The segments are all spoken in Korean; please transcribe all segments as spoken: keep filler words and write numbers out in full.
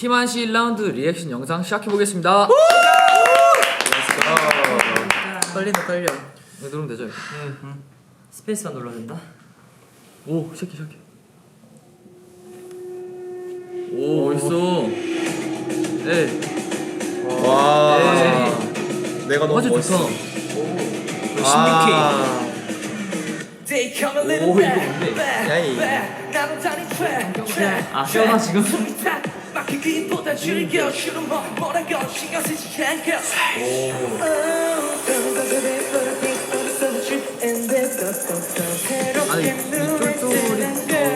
팀한시 일 라운드 리액션 영상 시작해보겠습니다. 떨린다 떨려. 네, 누르면 되죠? 응, 응. 스페이스만 눌러야 된다. 오, 시작해 시작해. 오, 멋있어. 네. 와. 네. 내가 너무 아주 멋있어. 좋다. 아. 오, 이거 뭔데? 야이. 아 시원하 지금? 아니, 이 쫄쫄이.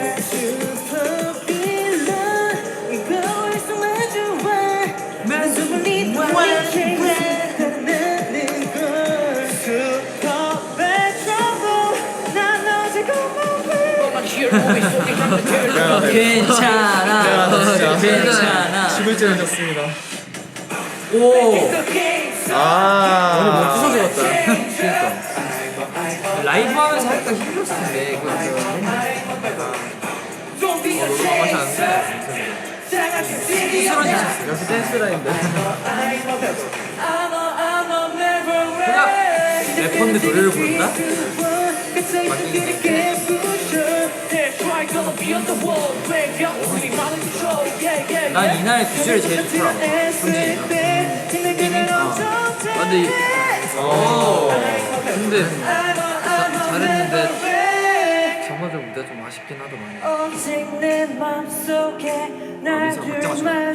괜찮아 괜찮아. 죽을 줄 알았습니다. 오 아. 오늘 뭐 부서져 갔다. 그러니까. 라이브 하면서 하니까 힘들었을 텐데 그거 맛이 안 돼. 쓰러지셨어요. 역시 댄스 라인데. 그냥 래퍼인데 노래를 부른다? 난 이날 비주얼이 제일 좋더라. 성진이가. 아, 근데 이- 어. 근데 자, 잘했는데 저마저 무대 좀 아쉽긴 하더만. 아, 민서 각자 맞춰. 나는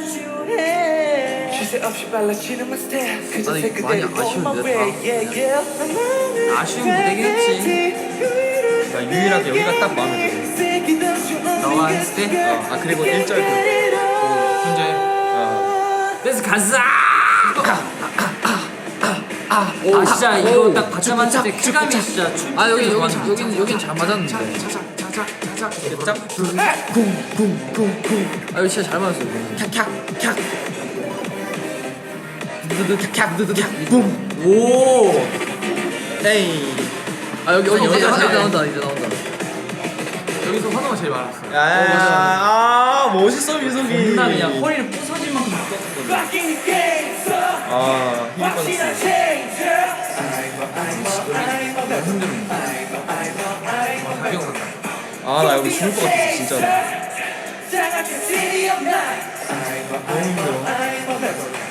많이 아쉬운데 다. 아쉬운 무대긴 했지. 나 유일하게 여기가 딱 마음에 들어. 너와 했을 때? 어. 아 그리고 일 절 그. 그 현재 어. 댄스 가자! 아 진짜 이거 딱 받자마자 때 쾌감이 진짜 춤. 아 여기 여기 여긴 여긴 잘 맞았는데. 이게 짝. 쿵쿵쿵쿵. 아 이거 진짜 잘 맞았어. 캬캬. 두두두 캬 두두두 붐. 오. 에이. 아 여기 여기 여기 이제 하나. 이제 나온다 이제 나온다. 여기서 환호가 제일 많았어. 야. 아 멋있어 민석이. 존나 그냥 허리를 부서질 만큼 묶었거든. 아 힘이 빠졌어. 아 나 여기 죽을 것 같았어 진짜로. 너무 힘들어.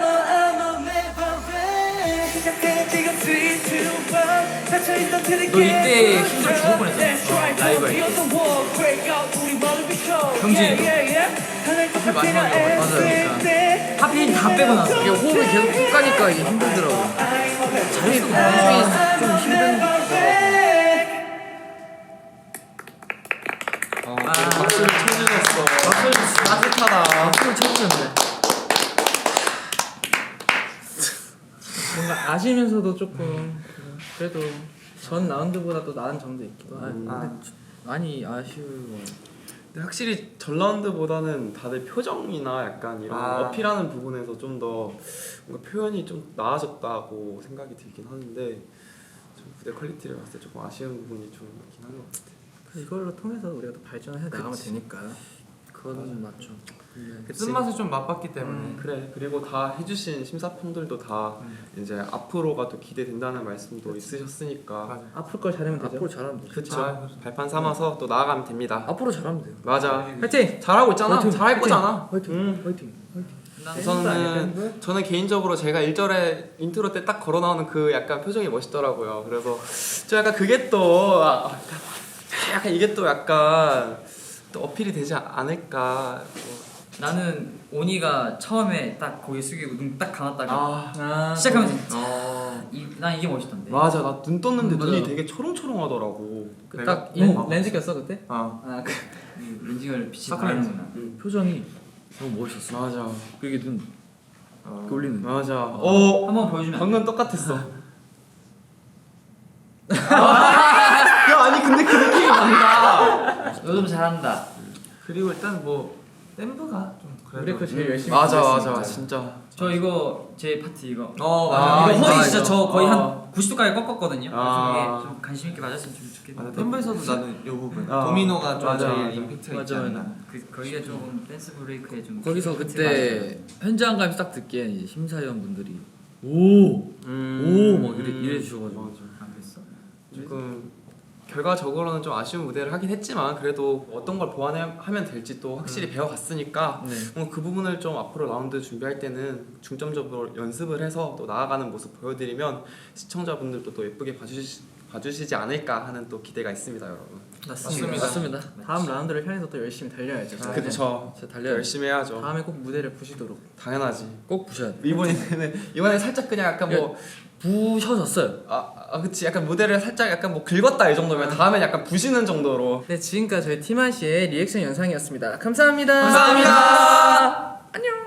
너 이때 힘들어 죽을 뻔했잖아. 라이브 할 때. 형진이. 하필 마지막에 맞아요. 하필 다 빼고 나서. 이게 호흡이 계속 쭉 가니까 이게 힘들더라고. 잘했어. 호흡이 좀 힘든 거. 아 박수를 쳐주셨어. 박수를 따뜻하다. 박수를 쳐주셨네. 뭔가 아시면서도 조금 그래도 전 라운드보다 또 나은 점도 있기도 하고. 음. 아, 많이 아쉬워. 근데 확실히 전 라운드보다는 다들 표정이나 약간 이런 아. 어필하는 부분에서 좀 더 뭔가 표현이 좀 나아졌다고 생각이 들긴 하는데 좀 무대 퀄리티를 봤을 때 조금 아쉬운 부분이 좀 있긴 한 것 같아요. 그래서 이걸로 통해서 우리가 더 발전해 나가면 그치. 되니까. 그건 맞죠. 그 쓴맛을 좀 맛봤기 때문에. 음, 그래 그리고 다 해주신 심사평들도 다 이제 앞으로가 또 기대된다는 말씀도 있으셨으니까 맞아. 앞으로 걸 잘하면 되죠. 앞으로 잘하면 되죠. 그쵸 아, 발판 삼아서 또 나아가면 됩니다. 앞으로 잘하면 돼요. 맞아 화이팅! 잘하고 있잖아 화이팅! 잘할 화이팅! 거잖아. 화이팅! 음. 화이팅! 화이팅! 저는 저는 개인적으로 제가 일 절에 인트로 때 딱 걸어 나오는 그 약간 표정이 멋있더라고요. 그래서 저 약간 그게 또 아, 약간 이게 또 약간 또 어필이 되지 않을까. 나는 오니가 처음에 딱 고개 숙이고 눈 딱 감았다가 아, 아, 시작하면서 아 이, 난 이게 멋있던데. 맞아 나 눈 떴는데 음, 눈이 맞아. 되게 초롱초롱하더라고. 딱 내가? 렌, 어. 렌즈 꼈어 그때? 아 아 그. 이 렌징을 빛이 사크렌즈. 나는구나. 표정이 너무 멋있었어. 맞아 그게 눈 어, 이렇게 올리는. 맞아. 어 한번 보여주면 안 돼? 방금 똑같았어. 야 아니 근데 그 느낌이 난다. 요즘 잘한다. 그리고 일단 뭐 댄브가 좀 우리 거 제일 열심히 맞아 준비했으니까. 맞아 진짜. 저 이거 제 파트 이거. 어 아, 맞아. 이거 허리 진짜 이거. 저 거의 어. 한 구십 도까지 꺾었거든요. 아. 그래서 이게 좀 관심 있게 맞았으면 좀 좋겠는데. 멤버에서도 나는 이 부분 어. 도미노가 좀 맞아, 제일 맞아. 임팩트가 있지 맞아, 않나. 그 거기가 좀 댄스 브레이크에 좀 거기서 힌트 그때 현장감이 딱 듣기엔 이제 심사위원 분들이 오오막 음. 이래, 이래 주셔가지고 맞아. 맞아요. 안 그랬어? 조금 결과적으로는 좀 아쉬운 무대를 하긴 했지만 그래도 어떤 걸 보완하면 될지 또 확실히 배워갔으니까 네. 어, 그 부분을 좀 앞으로 라운드 준비할 때는 중점적으로 연습을 해서 또 나아가는 모습 보여드리면 시청자분들도 또 예쁘게 봐주시, 봐주시지 않을까 하는 또 기대가 있습니다, 여러분. 맞습니다. 맞습니다. 다음 라운드를 향해서 또 열심히 달려야죠. 아, 그쵸. 진짜 달려야 열심히 해야죠. 다음에 꼭 무대를 부시도록. 당연하지. 꼭 부셔야 돼. 이번에는 이번에 살짝 그냥 약간 뭐 부셔졌어요. 아, 아 그치 약간 무대를 살짝 약간 뭐 긁었다 이 정도면 다음엔 약간 부시는 정도로. 네, 지금까지 저희 티마시의 리액션 영상이었습니다. 감사합니다. 감사합니다. 안녕.